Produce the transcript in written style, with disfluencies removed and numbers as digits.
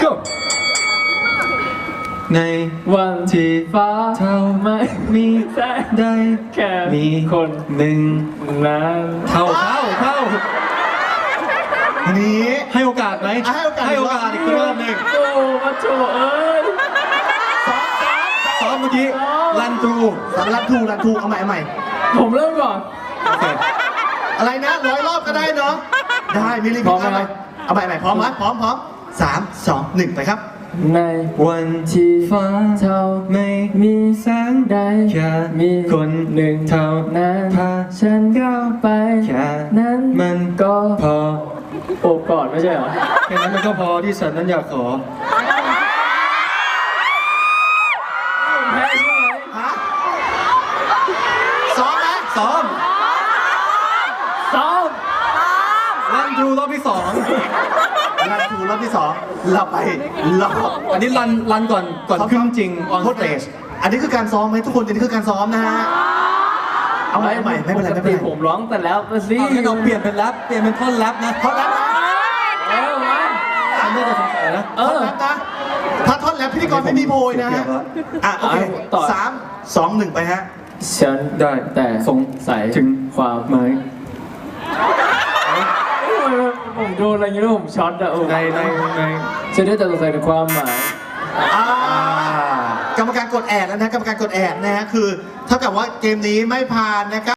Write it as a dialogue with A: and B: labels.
A: go ใน
B: วันที่ฟ้าเท่าไม่มีแสงได้แค่มีคนหนึ่งนั้น
A: เข้า
C: อันนี้
A: ให้โอกาสไหม
C: ให้โอกาส
A: อีกรอบหนึ่ง
B: โอ้มาโถเอ้ย
A: ซ้อมเมื่อกี้รันทรู
C: รันทูเอาใหม่
B: ผมเริ่มก่อน
A: โอเค
C: อะไรนะ100 รอบก็ได้เนาะได้มีลิมิตเอาใหม่พร้อมไหมพร้อม3 2 1ไปครับ
B: ใน
A: วันที่ฟ้า
B: เท่า
A: ไม่
B: มี
A: แสง
B: ได้
A: แค่
B: มี
A: คนหนึ่งเท่า
B: นั้น
A: พา
B: ฉันก้าวไป
A: แค่
B: นั้น
A: มัน
B: ก็
A: พอ
B: โอบกอดไม่ใช่เหรอ
A: แค่นั้นมันก็พอที่ฉันนั้นอยากขอ
B: แพ้ใช่ไหม
C: ฮะซ้อมไหม
A: ซ้อม
B: ซ้อม
A: รันทรูรอบที่สอง
C: รันทูรอบที่2เราไปรอบ
A: อันนี้รันก่อนขึ้นจริงออน
C: โค
A: ส
C: ตร
A: เต
C: เต
A: จ
C: จอันนี้คือการซ้อมไหมทุกคนอันนี้คือการซ้อมนะฮะเอาใหม่ไม่เป็นไร
B: ปกติผมร้องแต่แล้วสิ
A: เอางั้นเราเปลี่ยนเป็นแรปเปลี่ยนเป็นท่อนแรปนะ
C: ท่อนแรปนะ
B: มา
A: ฉันน่าจะสงสัยนะ
B: เอ
C: ท่อน
B: อ
C: แรปนะถ้าท่อนแรปพิธีกรไม่มีโพยนะฮะโอเค
B: ต่อ
C: 3 2 1ไปฮะ
B: ฉัน
A: ได้
B: แต่
A: สง
B: สัย
A: ถึง
B: ความ
A: ไหม
B: ผมโดนอะไรอย่างนี้แล้วผมช็อตอะโอ้
A: ใน
B: ฉันได้แต่สงสัยในความหมาย
C: กรรมการกดแอดแล้วนะกรรมการกดแอดนะฮะคือเท่ากับว่าเกมนี้ไม่ผ่านนะครับ